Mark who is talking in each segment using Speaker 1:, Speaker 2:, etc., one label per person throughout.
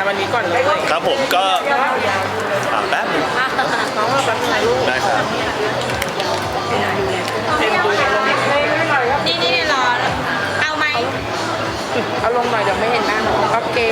Speaker 1: วันนี้ก่อนเลย
Speaker 2: ครับผมก็แป๊บนึง
Speaker 1: น้องว่าแป๊บนึงลูก
Speaker 2: ได้ครับ
Speaker 1: เต็มดูลง
Speaker 3: นี่รอเอาไหม
Speaker 1: เอาลงหน่อยเดี๋ยวไม่เห็นหน้าน้องโอเค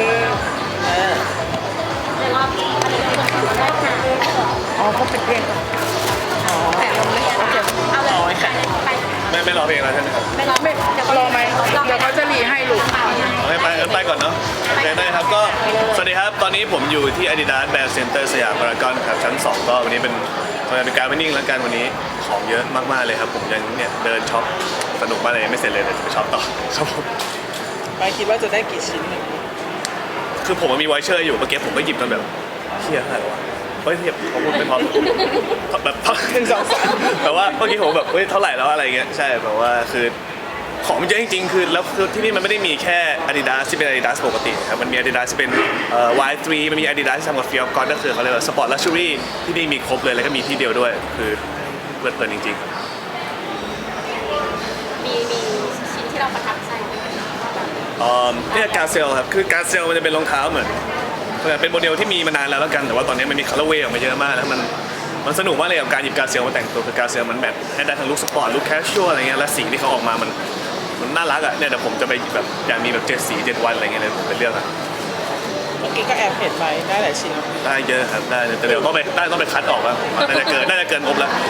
Speaker 1: อ๋อเขาเป็นเพลงอ๋อแต่ลงไม่โอเค
Speaker 3: เอาเลยไป
Speaker 2: ไม่รอเพลงแล้วใช่ไหมครับ
Speaker 3: ไม่รอไม่เดี๋ยว
Speaker 1: รอไหมเดี๋ยวเขาจะรีให้ลูก
Speaker 2: ไปก่อนเนาะโอเคได้ครับก็สวัสดีครับตอนนี้ผมอยู่ที่ Adidas Brand Center สยามพารากอนครับชั้น 2ก็วันนี้เป็นการไปนิ่งแล้วกันวันนี้ของเยอะมากๆเลยครับผมยังเนี่ยเดินช็อปสนุกมากเลยไม่เสร็จเลยแต่จะไปช็อปต่อครับผม
Speaker 1: ไปคิดว่าจะได้กี่ชิ้นหนึ่ง
Speaker 2: คือผมมีไวเชอร์อยู่เมื่อกี้ผมก็หยิบมันแบบเฮียอะไรวะเฮ้ยเทียบผมพูดไม่พอแบบ1 2 3แต่ว่าเมื่อกี้ผมแบบเฮ้ยเท่าไหร่แล้วอะไรเงี้ยใช่แบบว่าคือของมันเยอะจริงๆคือแล้วคือที่นี่มันไม่ได้มีแค่ Adidas ที่เป็น Adidas ปกติครับมันมี Adidas ที่เป็น Y3 มันมี Adidas ที่ทำกับ Fear of God ก็คือเขาเรียกว่า Sport Luxury ที่นี่มีครบเลยแล้วก็มีที่เดียวด้วยคือเพลินจริงๆ
Speaker 3: มีชิ้นที่เราประทับใจ
Speaker 2: เนี่ยการเซลครับคือการเซลมันจะเป็นรองเท้าเหมือนเป็นโมเดลที่มีมานานแล้วกันแต่ว่าตอนนี้มันมีคัลเลอร์เวย์ออกมาเยอะมากแล้วมันสนุกมากเลยกับการหยิบการเซลมาแต่งตัวคือการเซลมันแบบให้ได้ทั้งลุคสปอร์ตลุคแคชชวลอะไรเงี้ยและสีที่เขาออกมามันน่ารักอ่ะเนี่ยเดี๋ยวผมจะไปแบบอยากมีแบบ7 สี 7 วันอะไรเงี้ยเลยผมไปเลือกอ่ะ
Speaker 1: เมื่อกี้ก็แอบเห็นไปได้หลายชิ้น
Speaker 2: ได้เยอะครับได้แต่เดี๋ยวต้องไปคัดออกว่าน่าจะเกินงบแล้ว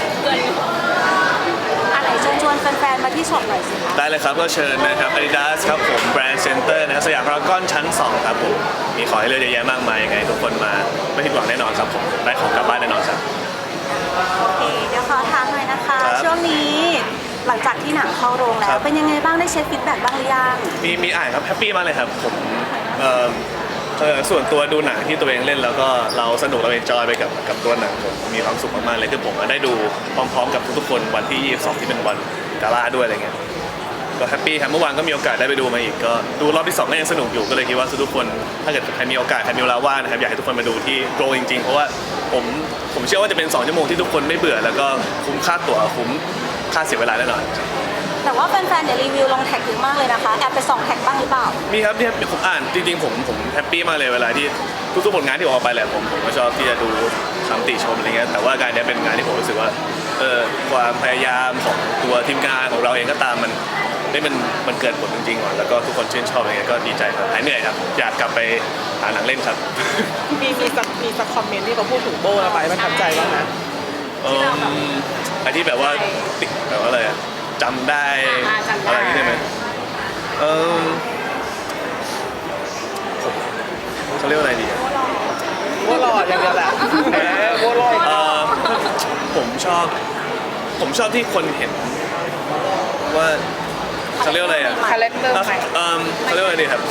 Speaker 3: อะไรชวนแฟนๆมาที่ช็อปหน่อยสิคะ
Speaker 2: ได้เลยครับก็เชิญนะครับ Adidas ครับผม Brand Center นะครับสยามพารากอนชั้น 2 ครับผมมีของให้เลือกเยอะแยะมากมายยังไงทุกคนมาไม่ผิดหวังแน่นอนครับผมได้ของกลับบ้านแน่นอนครับ
Speaker 3: โอเคเดี๋ยวขอถามหน่อยนะคะ
Speaker 2: ครับ
Speaker 3: ช่วงนี้หลังจากที่หนังเข้าโรงแล้
Speaker 2: ครั
Speaker 3: ว
Speaker 2: บ
Speaker 3: เป็นยังไงบ้างได้เช็คฟีดแบ็กบ้างหรือยัง
Speaker 2: มีอ่านครับแฮปปี้มากเลยครับผมส่วนตัวดูหนังที่ตัวเองเล่นแล้วก็เราสนุกเราเอนจอยไปกับตัวหนังผมมีความสุขมากๆเลยคือผมได้ดูพร้อมๆกับทุกๆคนวันที่22ที่เป็นวันกาล่าด้วยอะไรเงี้ยก็แฮปปี้ครับเมื่อวานก็มีโอกาสได้ไปดูมาอีกก็ดูรอบที่2ก็ยังสนุกอยู่ก็เลยคิดว่าทุกคนถ้าเกิดใครมีโอกาสใครมีเวลาว่างนะครับอยากให้ทุกคนมาดูที่โรงจริงๆเพราะว่าผมเชื่อว่าจะเป็น2 ชั่วโมงที่ทุกคนไม่เบื่อแล้วก็คุ้มค่าตั๋วคุ้มค่าเสียเวลาแน่นอน
Speaker 3: แต่ว่าแฟนๆเนี่ยรีวิวลงแท็กเยอะมากเลยนะคะแอบไปส่องแท็กบ้างหรือเปล่า
Speaker 2: มีครับที่ผมอ่านจริงๆผมแฮปปี้มากเลยเวลาที่ทุกๆผลงานที่ออกไปแหละผมก็ชอบที่จะดูคำติชมอะไรเงี้ยแต่ว่าการนี้เป็นงานที่ผมรู้สึกว่าความพยายามของตัวทีมงานของเราเองก็ตามมันเกิดผลจริงๆก่อนแล้วก็ทุกคนชื่นชอบอะไรเงี้ยก็ดีใจครับหายเหนื่อยครับอยากกลับไปหาหนังเล่นครับ
Speaker 1: มีสักคอมเมนต์ที่เขาพูดถึงโบแล้วไปประทับใจบ้างนะ
Speaker 2: อันที่แบบว่าติดแบบว่าอะไรอะจำได้
Speaker 3: จำได้
Speaker 2: อะไรอย่างงี้ได้ไหมเขาเรียกว่าอะไรดีอะ
Speaker 1: โบหล่ออย่างเดียวแหละแหมโบหล่อ
Speaker 2: ผมชอบที่คนเห็นว่าเขาเรียกว่าอะไรอ่ะ
Speaker 1: คาแรคเตอร์ใหม่
Speaker 2: เขาเรียกว่าอะไรดีครับ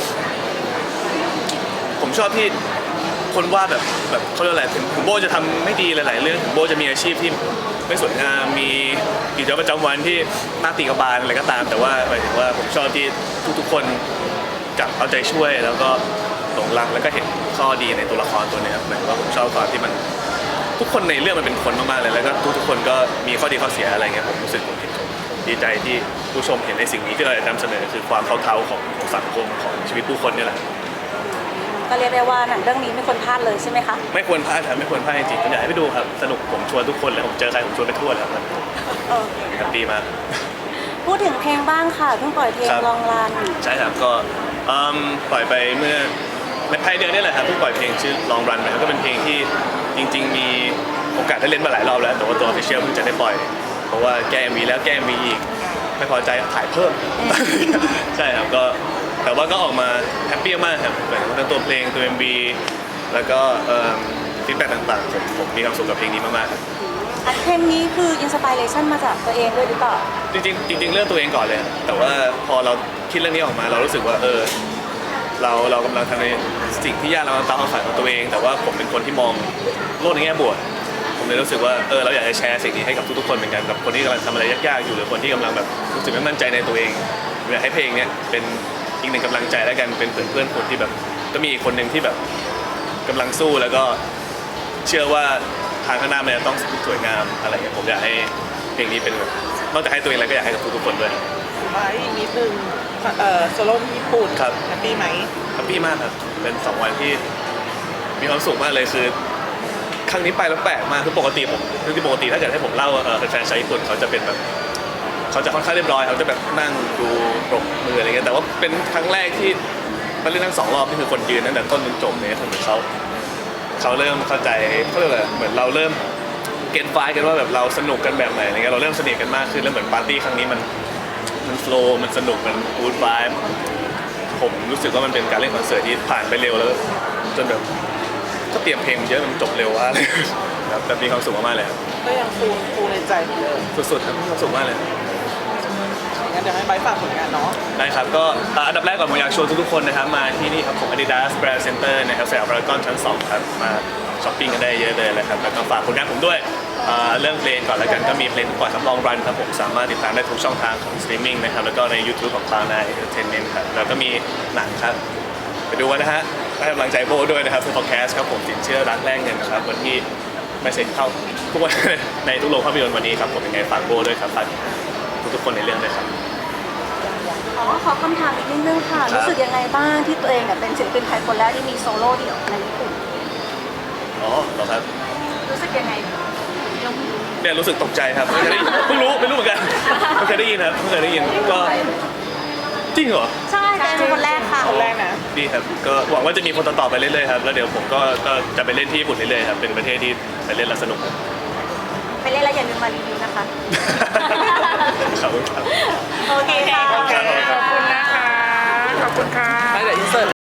Speaker 2: ผมชอบที่คนว่าแบบเขาเรียกว่าอะไรถึงโบจะทำไม่ดีหลายๆเรื่องถึงโบจะมีอาชีพที่ไม่สวยงามมีกิจวัตรประจำวันที่น่าตีกบาลอะไรก็ตาม แต่ว่าหมายถึงว่าผมชอบที่ทุกๆคนกลับเอาใจช่วยแล้วก็หลงรักแล้วก็เห็นข้อดีในตัวละครตัวนี้ครับหมายถึงว่าผมชอบความที่มันทุกคนในเรื่องมันเป็นคนมากๆเลยแล้วก็ทุกๆคนก็มีข้อดีข้อเสียอะไรเงี้ยผมรู้สึกผมดีใจที่ผู้ชมเห็นในสิ่งนี้ที่เราจะนำเสนอคือความเท่าๆของสังคมของชีวิตผู้คนนี่แหละ
Speaker 3: ก็เรียกได้ว่าหนังเรื่องนี้ไม่ควรพลาดเลยใช่ไหมคะ
Speaker 2: ไม่ควรพลาดครับไม่ควรพลาดจริงๆผมอยากให้ไปดูครับสนุกผมชวนทุกคนเลยผมเจอใครผมชวนไปทั่วเลยครับ
Speaker 3: โอเค
Speaker 2: แฮปปี้มาก
Speaker 3: พูดถึงเพลงบ้างค่ะเพิ่งปล่อยเพลง
Speaker 2: ครับ
Speaker 3: ลองรัน
Speaker 2: ใช่ครับก็ปล่อยไปเมื่อในภายเดือนนี่แหละครับเพิ่งปล่อยเพลงชื่อ Long Run ไปครับก็เป็นเพลงที่จริงๆมีโอกาสได้เล่นมาหลายรอบแล้วแต่ว่าตัว Official เพิ่งจะได้ปล่อยเพราะว่าแก้ MV แล้วแก้ MV อีกไม่พอใจถ่ายเพิ่ม ใช่ครับก็แต่ว่าก็ออกมาแฮปปี้มากครับหมายถึงทั้งตัวเพลงตัว MV แล้วก็ฟีดแบ็กต่างๆผมมีความสุขกับเพลงนี้มากๆครับ
Speaker 3: เพลงนี้คืออินสปิเรชันมาจากตัวเองด้วยหรือเปล่า
Speaker 2: จริงๆเรื่องตัวเองก่อนเลยแต่ว่าพอเราคิดเรื่องนี้ออกมาเรารู้สึกว่าเรากำลังทำในสิ่งที่ยากเราตามความฝันของตัวเอง แต่ว่าผมเป็นคนที่มองโลกในแง่บวกผมเลยรู้สึกว่าเราอยากจะแชร์สิ่งนี้ให้กับทุกๆคนเหมือนกันกับคนที่กำลังทำอะไรยากๆอยู่หรือคนที่กำลังแบบรู้สึกไม่มั่นใจในตัวเองอยากให้เพลงเนี้ยเป็นอีกหนึ่งกำลังใจแล้วกันเป็นเพื่อนคนที่แบบก็มีอีกคนหนึ่งที่แบบกำลังสู้แล้วก็เชื่อว่าทางข้างหน้ามันจะต้องสวยงามอะไรอย่างเงี้ยผมอยากให้เพลงนี้เป็นแบบนอกจากให้ตัวเองแล้วก็อยากให้กับทุกๆคนด้วย
Speaker 1: มาอีกนิดนึงโซโล่ที่ญี่ปุ่น
Speaker 2: ครับ
Speaker 1: แฮปปี้ไหม
Speaker 2: แฮปปี้มากครับเป็น2 วันที่มีความสุขมากเลยคือครั้งนี้ไปแล้วแปลกมากคือปกติถ้าเกิดให้ผมเล่าแฟนๆชาวญี่ปุ่นเขาจะเป็นแบบเขาจะค่อนข้างเรียบร้อยเขาจะแบบนั่งดูปรบมืออะไรเงี้ยแต่ว่าเป็นครั้งแรกที่มาเล่นทั้ง2 รอบนี่คือคนยืนตั้งแต่ต้นจนจบเนี่ยคือเหมือนเขาเริ่มเข้าใจเขาเรียกอะไรเหมือนเราเริ่มเก็ตไฟกันว่าแบบเราสนุกกันแบบไหนอะไรเงี้ยเราเริ่มสนิทกันมากขึ้นแล้วเหมือนปาร์ตี้ครั้งนี้มันโฟลว์มันสนุกมันกู๊ดไวบ์ผมรู้สึกว่ามันเป็นการเล่นคอนเสิร์ตที่ผ่านไปเร็วแล้วจนแบบก็เตรียมเพลงเยอะมันจบเร็วมากเลยครับแบบมีความสุขมากๆเลยครับ
Speaker 1: ก็ยังฟูในใจเหมือนเดิม
Speaker 2: สุดๆครับมีความสุขมากเลย
Speaker 1: งั้นเดี๋ยวให้ไบร์ทฝากผลงานเนาะ
Speaker 2: ได้ครับก็อันดับแรกก่อนผมอยากชวนทุกๆคนนะครับมาที่นี่ครับของ Adidas Brand Center นะครับสยามพารากอนชั้น 2 ครับมาช้อปปิ้งกันได้เยอะเลยนะครับแล้วก็ฝากผลงานผมด้วยเรื่องเพลงก่อนแล้วกันก็มีเพลงปล่อยครับลองรันครับผมสามารถติดตามได้ทุกช่องทางของสตรีมมิ่งนะครับแล้วก็ใน YouTube ของ Cloud9 Entertainment ครับแล้วก็มีหนังครับไปดูกันนะฮะให้กำลังใจโบด้วยนะครับคือ Podcast ครับผมสินเชื่อรักแลกเงินนะครับวันที่ไม่เซ็นเข้าทุกวัน ในทุกโรงภาพยนตร์วันนี้ครับผมยังไงฝากโบด้วยครับฝากทุกๆคนในเรื่องด้วยครับ
Speaker 3: ขอคำถามอีกนิดนึงค่ะ
Speaker 2: ครับ
Speaker 3: รู้สึกยังไงบ้างที่ตัวเองเนี่ยเป็นศิลปินไทยคนแรกที่มีโซโล่เดี่ยวในญี่ปุ่น
Speaker 2: อ๋อเหรอครับ
Speaker 3: รู้สึกยังไง
Speaker 2: เนี่ยรู้สึกตกใจครับไม่เคยได้ยินเพิ่งรู้ไม่รู้เหมือนกันไม่เคยได้ยินครับไม่เคยได้ยินก็จริงเหรอ
Speaker 3: ใช่เป็นคนแรกค่ะ
Speaker 1: คนแรกนะ
Speaker 2: ดีครับก็หวังว่าจะมีคนต่อๆไปเรื่อยๆครับแล้วเดี๋ยวผมก็จะไปเล่นที่ญี่ปุ่นเรื่อยๆครับเป็นประเทศที่ไปเล่นแล้วสนุกครับ
Speaker 3: ไปเล่นแล้วอย่าลืมมารีวิวนะคะ
Speaker 2: ขอบคุณครับ
Speaker 3: โอเคค่ะ
Speaker 2: ขอบคุณครับ
Speaker 1: ขอบคุณนะคะ ขอบคุณค่ะให้เดี๋ยวอินเสิร์ต